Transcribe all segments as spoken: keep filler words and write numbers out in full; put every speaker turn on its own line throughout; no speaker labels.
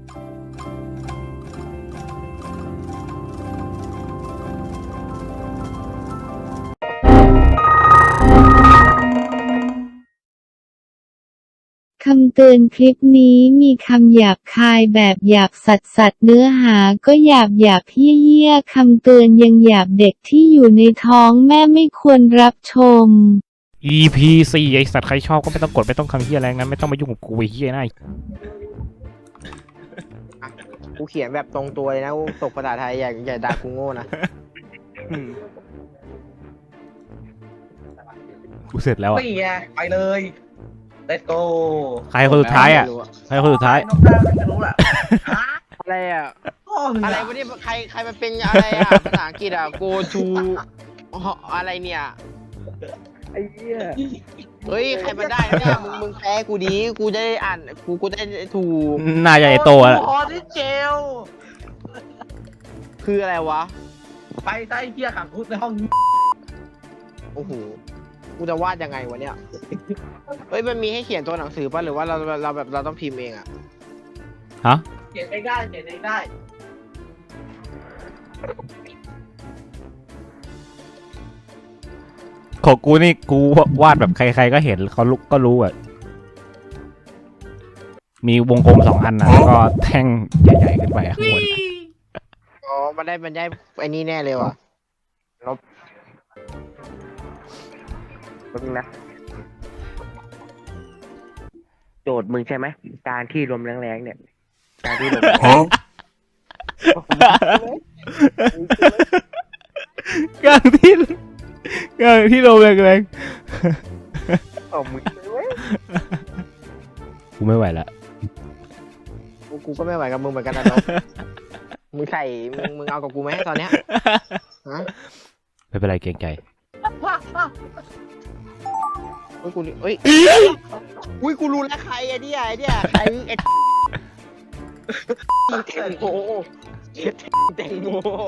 คำเตือนคลิปนี้มีคำหยาบคายแบบหยาบสัสสัสเนื้อหาก็หยาบหยาบเหี้ยเหี้ยคำเตือนยังหยาบเด็กที่อยู่ในท้องแม่ไม่ควรรับชม
อี พี สี่ไอสัตว์ใครชอบก็ไม่ต้องกดไม่ต้องคำเหี้ยแรงนั้นไม่ต้องมายุ่งกับกูไอ้เหี้ยนะ
กูเขียนแบบตรงตัวเลยนะกูตกภาษาไทยอย่าอย่าด่ากูโง่นะ
กูเสร็จแล้วอ่ะ
นี่ไงไปเลย let's go
ใครคนสุดท้ายอ่ะใครคนสุดท้าย
น้องได้ไม่รู้แหละฮะ
อะไรอ่ะ
พ่อมึง
อะไร
อะ
วะเนี่ยใครใครมันเป็นอะไรอ่ะ ภาษาอังกฤษอ่ะ go to อะไรเนี่ย
ไอ้เหี้ย
เฮ้ยใครมันได้เนี่ยมึงมึงแพ้กูดีกูจะได้อ่านกูกูได้ถูก
น่าจะไอโตอ่ะ
พอที่เจล
คืออะไรวะ
ไปใต้เหี้ยขังคุกในห้องนี้
โอ้โหกูจะวาดยังไงวะเนี่ยเฮ้ยมันมีให้เขียนตัวหนังสือป่ะหรือว่าเราเราแบบเราต้องพิมพ์เองอ่ะ
ฮะ
เขียนเองได้เขียนเองได้
ของกูนี่กูวาดแบบใครๆก็เห็นเขาลุกก็รู้อ่ะมีวงกลมสองอันนะแล้วก็แท่งใหญ่ๆขึ้นไปข้างบน
อ๋อมันได้มันได้ไอ้นี่แน่เลยว่ะ
แป๊บนึงนะโจทย์มึงใช่ไหมการที่ลมแรงๆเนี่ยการที่ลม
กลางที่กลางที่ลมแรง
โอ้มึงเว้ย
ๆกูไม่ไหวละ
กูกูก็ไม่ไหวกับมึงเหมือนกันนะนก มึงใส่มึงมึงเอากับกูไหมตอนเนี้ยฮะ
ไม่เป็นไรเกรงใจ
เฮ้ยกูนี่เฮ้ยอุ้ยกูรู้แล้วใครไอ้เนี่ยไอ้เนี่ยใครไอ้แตงโมแตงโม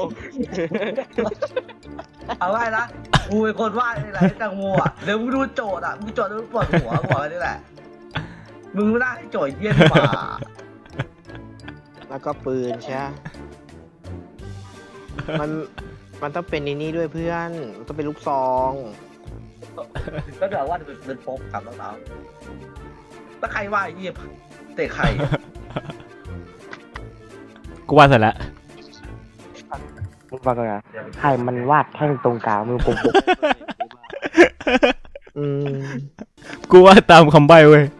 เอาไว้นะกูเป็นคนวาดนี่แหละไอ้แตงโมอ่ะเดี๋ยวมึงดูโจทย์อ่ะมึงโจทย์แล้วมึงปวดหัวบอกไว้นี่แหละมึงไม่ได้ให้โจทย์เยี่ยมกว่า
แล้วก็ปืนใช่ไหมมันมันต้องเป็นในนี้ด้วยเพื่อนมันต้องเป็นลูกซอง
ก็เดี๋ยวว่าจะเป็นโป๊กกับน้องๆแล้วใครว่าไอ้เยี่ยมเตะไข่
กูวาดเสร็จแล้ว
มึงฟังก่อนนะใครมันวาดแท่งตรงกลางมือปกปก
อืม
กูวาดตามคำใบ้เว้ย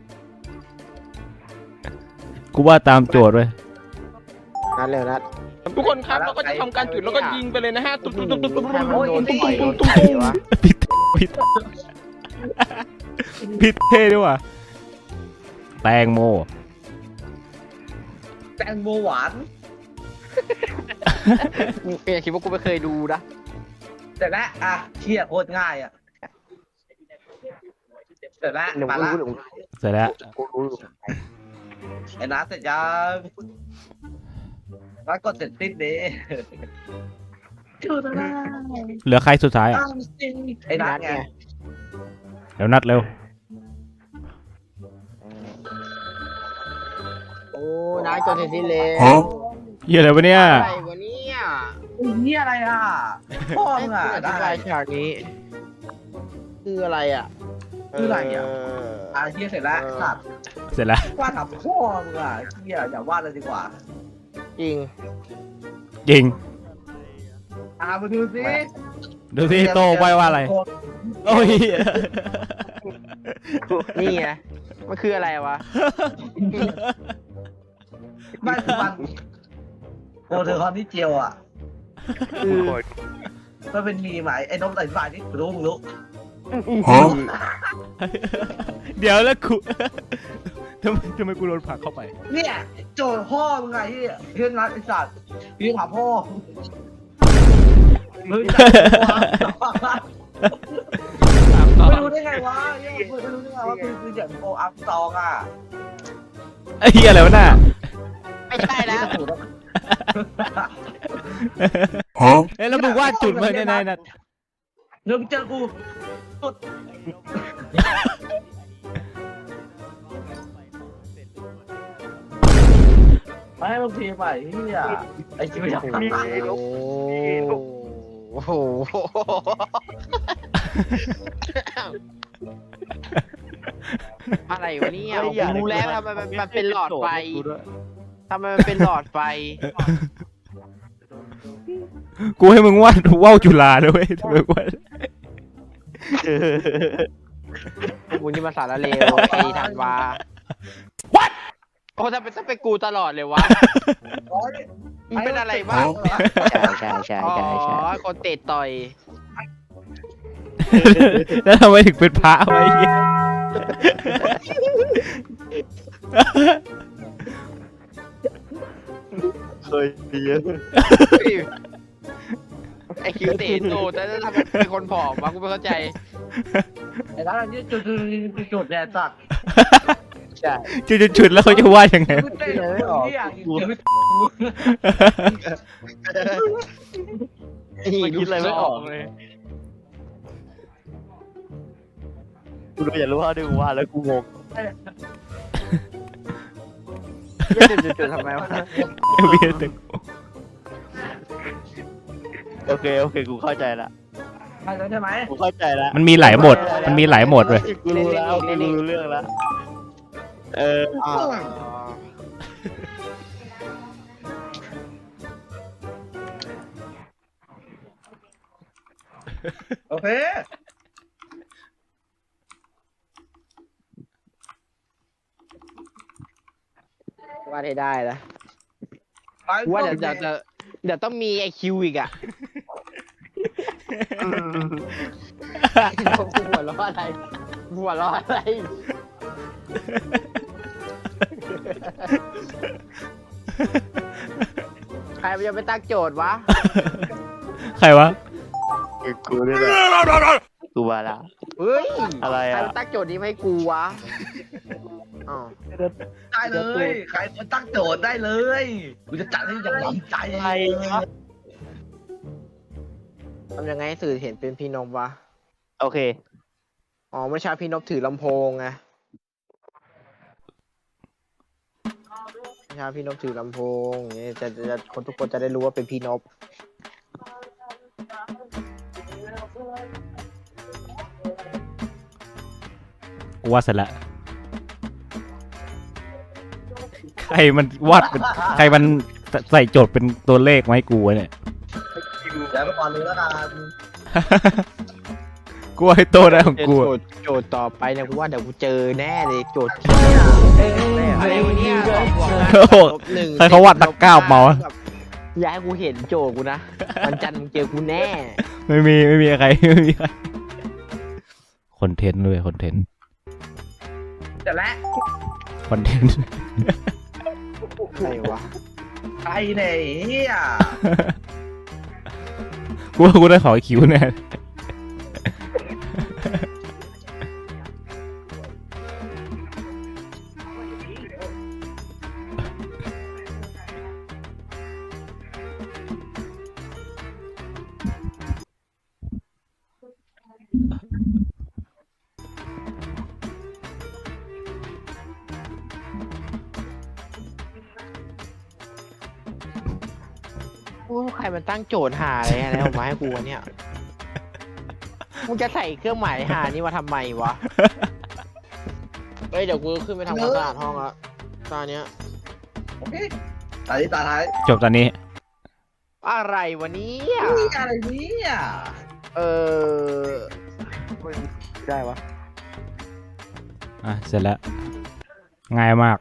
กูวาดตามโจทย์เว้ย
นัดเร็วนัด
ทุกคนครับเราก็จะทำการจุดแล้วก็ยิงไปเลยนะฮะตุ๊บตุ๊บตุ๊บตุ๊บตุ๊บ
ถ้ามันโดน
ตุ๊บ
ต่อยโด
ตุ๊
น
บตุ๊บ
ใครวะ
ผิดผิดผิดเท่ด้วยว่ะแตงโม
แตงโมหวาน
เอยคิดว่ากูไม่เคยดูนะ
แต่ละอ่ะเชี่ยโคตรง่ายอ่ะแต่ละ
เดี๋ยว
มา
กู
ละ
รู้
เสร็จแล้ว
กูรู้
ไอ้นัทเสร็จยังนัทกดเสร็จสิ้นดิ
เหลือใครสุดท้ายอ่ะ
ไอ้นัทไง
เร็วนัดเร็ว
โอ้นัดกดเสร็จสิ้นเลย
เหี้ยอะไรวะเนี่ย
อะไรวะเนี่ย
อุ้ยนี่อะไรอ่ะพ่อ
ไอ้
มึง
กู
อ่ะ
อธิ
ได้
บายฉากนี้ คืออะไรอ่ะ
คืออะไรอ่ะ อ่ะเฮียเสร็จแล้วสัตว์
เสร็จแล้ว
วาดทับพ่อมึงอ่ะเฮียอย่าวาดเลยดีกว่า
จริง
จริง
อ่ะมาดูสิ
ดูสิโตไว้ว่าอะไรโอ้ย
นี่ไงมันคืออะไรวะ
ไม่คือมันโอเธอคอนที่เจียวอ่ะ
คือ
มันเป็นมีไหมไอ้นกใส่ฝ่ายนี่รู้มึงรู้
เดี๋ยวแล้วกูทำไมทำไมกูโดนผลักเข้าไป
เนี่ยโจทย์พ่อมึงไงที่เรื่องนัดไอ้สัตว์พี่ถามพ่อมึงจะไม่รู้ได้ไงวะเนี่ยไม่รู้ได้ไงว่าคือคืออย่างโออัพซองอ่ะ
ไอ้เหี้ยอะไรวะน่ะ
ไม่ใช่แล้ว
เอ้ยแล้วมึงวาดจุดมาในในนัด
เดี๋ยวมึงเจอกูสุดมาให้มึงพิมพ์ใหม่เฮียไอ้ชิบะ
โอ้โห อะไรวะเนี่ยรู้แล้วทำไมมันมันเป็นหลอดไฟทำไมมันเป็นหลอดไฟ
กูให้มึงวาดว่าวจุฬาด้วยทำไมวาด
กูนี่มาสารเลวไอ้ธันวา What โอ้ถ้าเป็นถ้าเป็นกูตลอดเลยวะมันเป็นอะไรบ้าง
ใช่ใช่
อ๋อ
ใช่ใช่
คนเตะต่อย
แล้วทำไมถึงเป็นพระไว้เหี้ย
เคยเยอะ
ไอ้คิวเตะโตแต่ถ้าทำไมเป็นคนผอมวะกูไม่เข้าใจ
ไอ้ร้านนี้จุดจุดจุดแดดสัตว์
ใช่
จุดๆๆแล้วเขาจะวาดยังไง
กูเต้นไม่ออกเฮีย
นี่คิดอะไรไม่ออกเลย
กูรู้อยากรู้ว่าดูว่าแล้วกูงง
จุดๆๆทำไมวะ
เวียนตึก
โอเคโอเคกูเข้าใจละ
ใช่แล้วใช่ไหม
กูเข้าใจละ
มันมีหลายโหมดมันมีหลายโหมดเลย
กูรู้แล้วกูรู้เรื่องแล้วเออ
อ่า
โอเค
ว่าได้ได้แล้วว่าเดี๋ยวเดี๋ยวจะเดี๋ยวต้องมีไอคิวอีกอ่ะหัวเราะอะไรหัวเราะอะไรใครมันจะไปตั้งโจทย์วะ
ใครวะ
กูนี่แหละกูมาละ
เฮ้ย
อะไร
ใคร
อ่ะ
มันตั้งโจทย์นี้มาให้กูวะอ๋อ
ได้เลยใครคนตั้งโจทย์ได้เลยกูจะจัดให้อย่างหวังใจเลย
ทำยังไงให้สื่อเห็นเป็นพี่นพวะ
โอเค
อ๋อเมื่อเช้าพี่นพถือลำโพงไงเมื่อเช้าพี่นพถือลำโพงอย่างนี้จะจะคนทุกคนจะได้รู้ว่าเป็นพี่นพ
กูวาดเสร็จแล้วใครมันวาดเป็นใครมันใส่โจทย์เป็นตัวเลขมาให้กูวะเนี่ย
เดี๋ยวไปก่อนเลยแล้วกัน
กูว่าให้โตได้ของกู
โจ
อะ
ทย์โจทย์ต่อไปเนี่ยกูว่าเดี๋ยวกูเจอแน่เลยโจทย์อะไรวะเนี่ยสองบวก
โอ้โห
ลบหนึ่ง
ใครเขาวาดตะกร้าเมาวะ
แบบอย่าให้กูเห็นโจทย์กูนะวันจันทร์มึงเจอกูแน่
ไม่มีไม่มีใครไม่มีใครคอนเทนต์ด้วยคอนเทนต์
เสร็จแล้ว
คอนเทนต์
ใครวะ
ใครเนี่ยเฮีย
กูว่ากูได้ขอคิวแน่
โอ้ใครมันตั้งโจทย์หาอะไรอะไรออกมาให้กูวะเนี่ยมึงจะใส่เครื่องหมายหานี่มาทำไมวะเฮ้ยเดี๋ยวกูขึ้นไปทำความสะอาดห้องละตอนเนี้ย
โอเคตาที่ตาท้าย
จบตอนนี้
อะไรวะเนี่ย
นี่อะไรเนี่ย
เออ
ได้วะ
อ่ะเสร็จแล้วง่ายมาก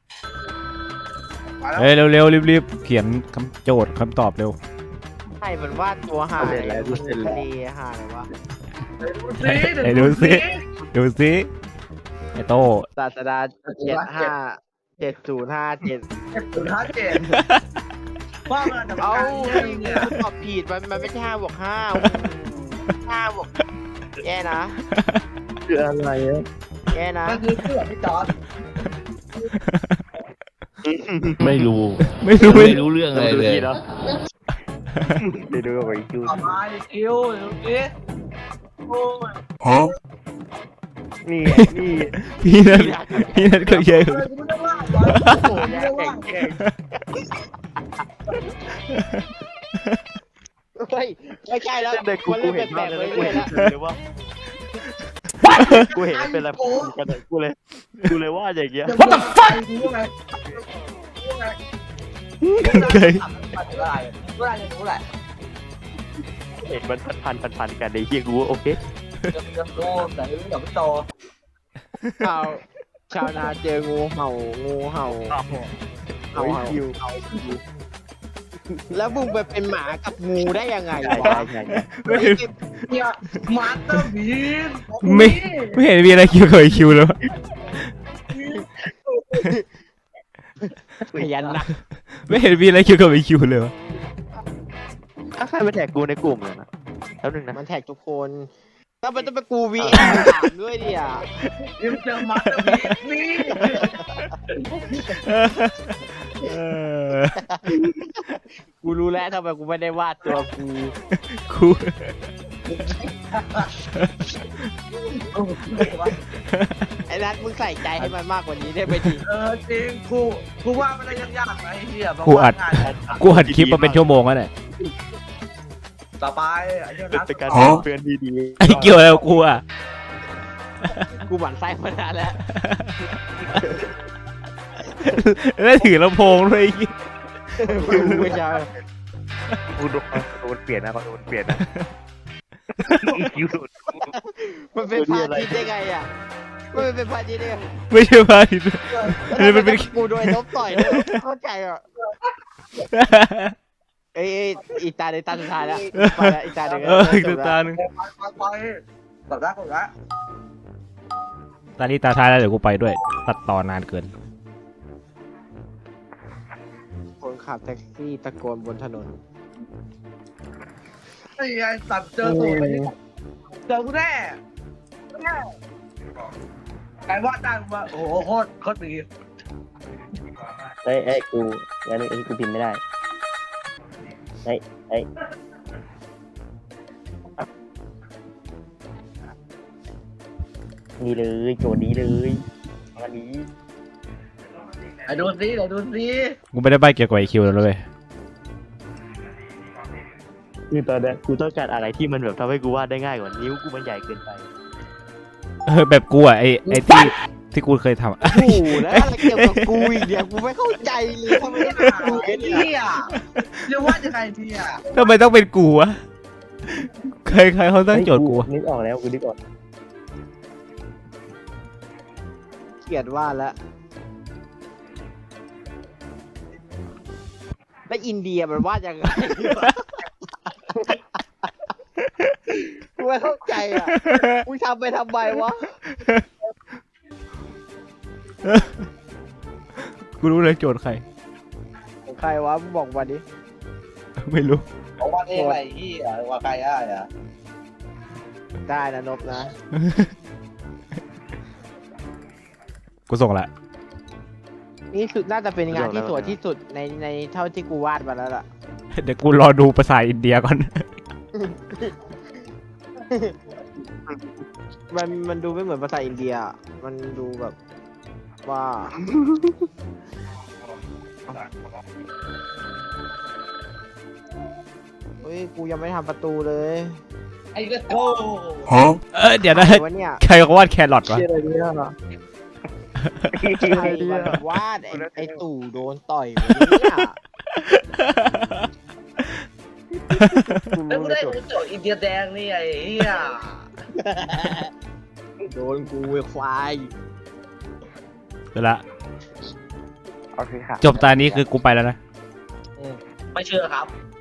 มาแล้ว
เฮ้ยเร็วๆรีบๆเขียนคำโจทย์คำตอบเร็ว
ใครมันวาดตัวหาอะไรมันทะเลหาอะไรวะ
ไหนดูสิดูสิไอโต้
ศาสดาเจ็ดห้าเจ็ดศูนย์ห้าเจ็ด
สุดท้ายเจ็ดว่ามันจะ
เอา
การเนี่ย
ตอบผิดมันมันไม่ใช่ห้าบวกห้าห้าบวกแย่นะ
คืออะไรอ่ะ
แย่นะ
มันคือเสื้อพี่จอร์ด
ไม่รู้
ไม่รู้ไม่
ไม่รู้เรื่องอะไรเลย
เนาะไปดูกับไอ้จู
ต่อมาดิคิวดูสิโอ้ย
นี่นี่
พี่นัทพี่นัทก็เยอะ
เลยกูไม่ได้ว่าโด
โอ้ยแข่งแข่งเฮ้ยไม่ใช่แล้ว
เด็กกู
มัน
กู
เล่น
เห็น
แปล
ภาพ
กๆ
เล
เลย ย
นะกู
เล
เห็
ย
น
นะ
เลยว่ากูเห็นเป็นอะไรกันเลยกูเลยกูเลยว่าอย่างเงี้ย
What the fuck รู้ไงรู้ไง
เคย
รู้อะไรรู้อะไรรู้อะไร
เห็นมันพันพันพันกันในเฮียกูว่าโอเค
เดี๋ยวเดี๋ยวโตแต่เดี๋ยวไม่โต
ชาวชาวนาเจองูเห่างูเห่าเห่าเห่าเห่าแล้วมึงไปเป็นหมากับงูได้ยังไง
ใช่
วะ
ใช่ใช่
ไม่เห็น
เนี่ยมาสเตอร์บีน
ไม่ไม่เห็นมีอะไรคิวเคยคิวเลยวะ
ขยันนะ
ไม่เห็นมีอะไรคิวกับไอคิวเลยวะ
ถ้าใครมาแท็กกูในกลุ่มเลยนะแล้วหนึ่งนะ
มันแท็กทุกคนถ้ามันต้องไปกูวีเอสามด้วยดิอ่ะ
ยังเจอมาสเตอร์บีนนี่
เออ
กูรู้แล้วทำไมกูไม่ได้วาดตัวกู
กู
ไอ้นัทมึงใส่ใจให้มันมากกว่านี้ได้ไหมที
เออจริงกูกูว่าไม่ได้ยากๆนะไอ้เหี้ย
กูอัดกูอัดคลิปมาเป็นชั่วโมงแล้วเนี่ย
ต่อไปไอ้เหี้ยนะ
เป็นการเพื่อนดีดี
ไอ้เกี่ยวอะไรกับกูอ่ะ
กูหมั่นไส้มานานแล้ว
แล้วถือลำโพงด้วยไอ้เหี้ย
กูไม่ใช่
กูโดนโดนเปลี่ยนนะโดนเปลี่ยนนะคิว
มันเป็นพาทิตย์ได้ไงอ่ะมันเป็นพาทิตย์ได้ไง
ไม่ใช่พาทิตย์นี่มันเป็น
กูโดนลบต่อยด้วยเข้าใจอ่ะเอ้ยอีตาในตาสุดท้ายแล้วไปแล้วอีตาหนึ่ง
เอออีกตาหนึ่ง
ไปไปต่อได้ก่อนละ
ตานี้ตาท้ายแล้วเดี๋ยวกูไปด้วย ตัดต่อนานเกิน
คนขับแท็กซี่ตะโกนบนถนน
ไอ้ไอ้สัตว์เจอตัวไปเจอกูแน่แน่ไอ้ว่าจ้างมาโอ้โหโคตรโคตรดี
เอ้ยเอ้ยกูงั้นไอ้กูพิมพ์ไม่ได้เอ้ยเอ้ยนี่เลยโจทย์นี้เลยวันนี้
ไอ้ดูสิไอ้ดูสิ
กูไม่ได้ใบเกี่ยวกับไอคิวแล้วเลย
คือตอนนี้กูต้องการอะไรที่มันแบบทำให้กูวาดได้ง่ายกว่านิ้วกูมันใหญ่เกินไป
เออแบบกูอ่ะไอไอที่ที่กูเคยทำอะ
โอ้โหแล้วอะไรเกี่ยวกับกูอีกเนี่ยกูไม่เข้าใจเลยทำไมต้องกู
ไอ้
เนี่ย
เหี้ยเรียกว่าจะไงพี่อ่ะ
ทำไมต้องเป็นกูวะใครใครเขาตั้งโจทย์กูวะ
นึกออกแล้วกูนึกออก
เกลียดวาดแล้วแล้วอินเดียมันวาดยังไงกูไม่เข้าใจอ่ะกูทำไปทำไมวะ
กูรู้เลยโจทย์ใคร
ใครวะมึงบอกมาดิ
ไม่รู้
บอกว่าเองไรเหี้ยว่าใครอ่ะอ่ะ
ได้นะนบนะ
กูส่งละ
นี่คือน่าจะเป็นงานที่สวยที่สุดในในเท่าที่กูวาดมาแล้วล่ะ
เดี๋ยวกูรอดูภาษาอินเดียก่อน
มันมันดูไม่เหมือนภาษาอินเดีย มันดูแบบว่าเฮ้ยกูยังไม่ทำประตูเลย
ไอ้ก็โก้
เออเดี๋ยวนะ
อะไรวะเนี่ย
ใครเขาวาดแครอทวะ
ใครมันวาดไอ้ไอ้ตู่โดนต่อยวะเนี่ยกู
แล้ว
รู้
กู
เลย
ได้
จบ
โจทย์อินเดียแดงนี่ไอ้เหี้ย
โดนกูไอ้ควาย
เดี๋ยวละ
โอเคค่ะ
จบตานี้คือกูไปแล้วนะ
ไม่เชื่อครับ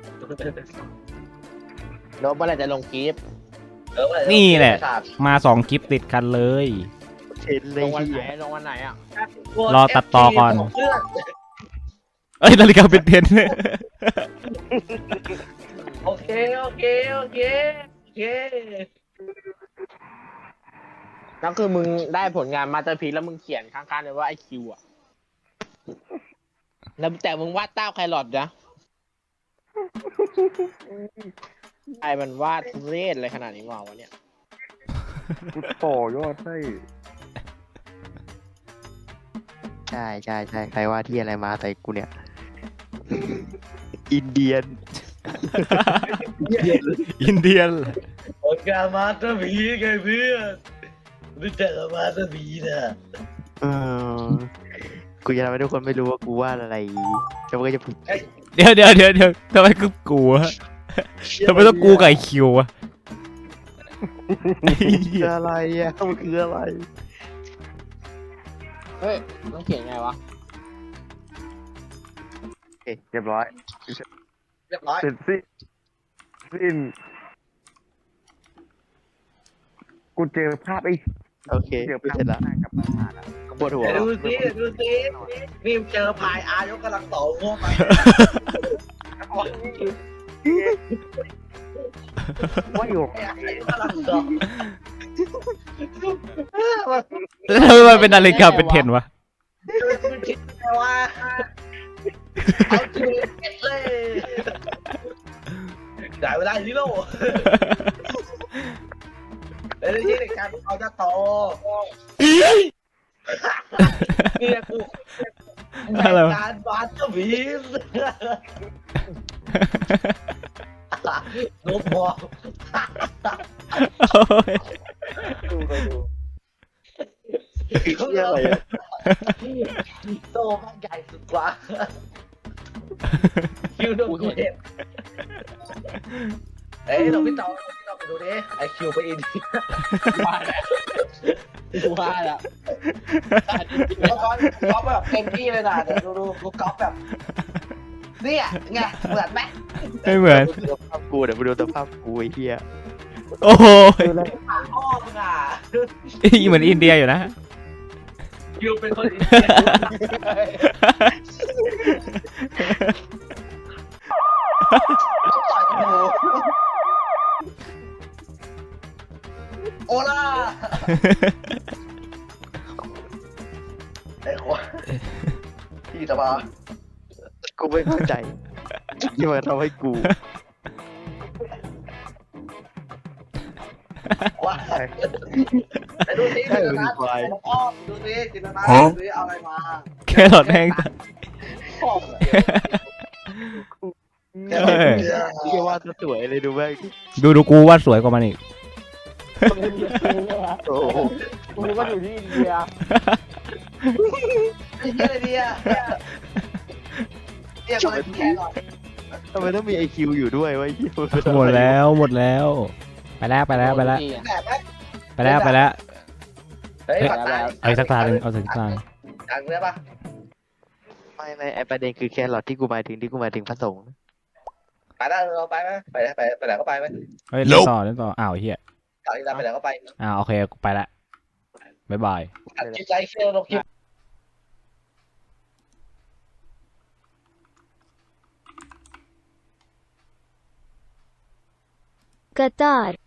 โน้ตเมื่อไหรจะลงคลิป
เออเมื่อไ
นี่แหละ
ไม่ทราบ
มาสองคลิปติดกันเลย
เชนเล
ล
ย
งวันไหนลงวันไหนอ่ะ
รอตัดต่อก่อน
เพื่อน
เอ้ยนาฬิกาเป็นเทน
โอเคโอเคโอเคโอเค
นั่นคือมึงได้ผลงานมาสเตอร์พีซแล้วมึงเขียนข้างๆเลยว่าไอคิวอ่ะ แล้วแต่มึงวาดเต้าไครอทนะไอมันวาดทุเรศอะไรขนาดนี้วะวะเนี่ย
กูต่อยอดให้
แถ
ช่ใช่ใช่ใครว่าที่อะไรมาใส่กูเนี่ย อินเดียน
อินเดียน
ผลงานมาสเตอร์พีซไงเพื่อนรู้จักกับมาสเตอร์พีซอ่ะ
เออกูจะทำให้ทุกคนไม่รู้ว่ากูวาดอะไรแล้วมันก็จะพูด
เดี๋ยวเดี๋ยวเดี๋ยวเดี๋ยวทำไมกูกูวะทำไมต้องกูกับไอคิววะ
คืออะไรอ่ะมันคืออะไร
เฮ้ยต้องเขียนไงวะ
โอเคเรียบร้อย
เรียบร้อย
เสร็จสิ้นสิ้นกูเจอภาพไอ้โอเคกูเสร็จแล้วปวดหัว
เดี๋ยวดูสิดูสินี่เจอพายอายกกำลังต่อโง่ไป
ว่าอยู่
อายกกำลังต่อ
แล้วทำไมมันเป็นนาฬิกาเป็นเทรนวะ
มันคิดไงว่าเอาจริงเก็ตเลยได้เวลาฮีโร่เดี๋ยวนี้ในการเอาจะโตนี่กูในการบาสเตอร์พีซนกบอล
โอ้ย
เหี้ยอะไรอะ
โตมันใหญ่สุดกว่าคิวโดนกูเห็นเอ้ยเราพี่ต่อพี่ต่อไปดูดิไอคิวไปอิน
ว่าแล้วว่าแล้ว
แล้วก็ก๊อปแบบเต็มที่เลยนะเดี๋ยวดูดูดูก๊อปแบบเนี่ยไงเหมือนไหม
ไม่เหมือน
ดูสภาพกูเดี๋ยวไปดูสภาพกูไอ้เหี้ย
โอ้โห
ปากพ่อมึงอ่ะ
เหมือนอินเดียอยู่นะ
คิวเป็นคนอินเดียต้องต่อยกันดูโอล่าไอ้คนพี่ตะบา
กูไม่เข้าใจที่มันทำให้กู
ว่าไอ้ดูสิ
ใช่
จินต
เป็น
นา
ควาย
พ่อดูสิจินตนาดูสิเอาอะไรมา
แครอทแห้งตาย
พ่อ
เออ
เรียกว่าสวยเลยดูแม่ง
ดูดูกูวาดสวยกว่ามันอีก
โอ้โห
กูนึกว่าอยู่ที่อินเดีย
ไอ้เหี้ยอะไรเนี่ยเรียกอะไรแค่หน่อย
ทำไมต้องมีไอคิวอยู่ด้วยวะไอ้เหี้ย
หมดแล้วหมดแล้ว ไปแล้วไปแล้วไปแล้ว
แบบไหม
ไปแล้วไปแล้ว
เฮ้ยปัดตา
เอาอีกสักตาหนึ่งเอาสักตาหนึ่ง
ดังเลยปะ
ไม่ไม่ไอประเด็นคือแครอทที่กูหมายถึงที่กูหมายถึงพระสงฆ์
ไปได้เราไปไหมไปไปไปไหนก็ไปไหม
เฮ้ยเล่นต่อเล่นต่ออ้าวเฮีย
ต่อที่เราไปไหนก็ไป
อ้าวโอเคกูไปละบ๊ายบาย
อัดจิตใจเชื่อลงคลิป
Qatar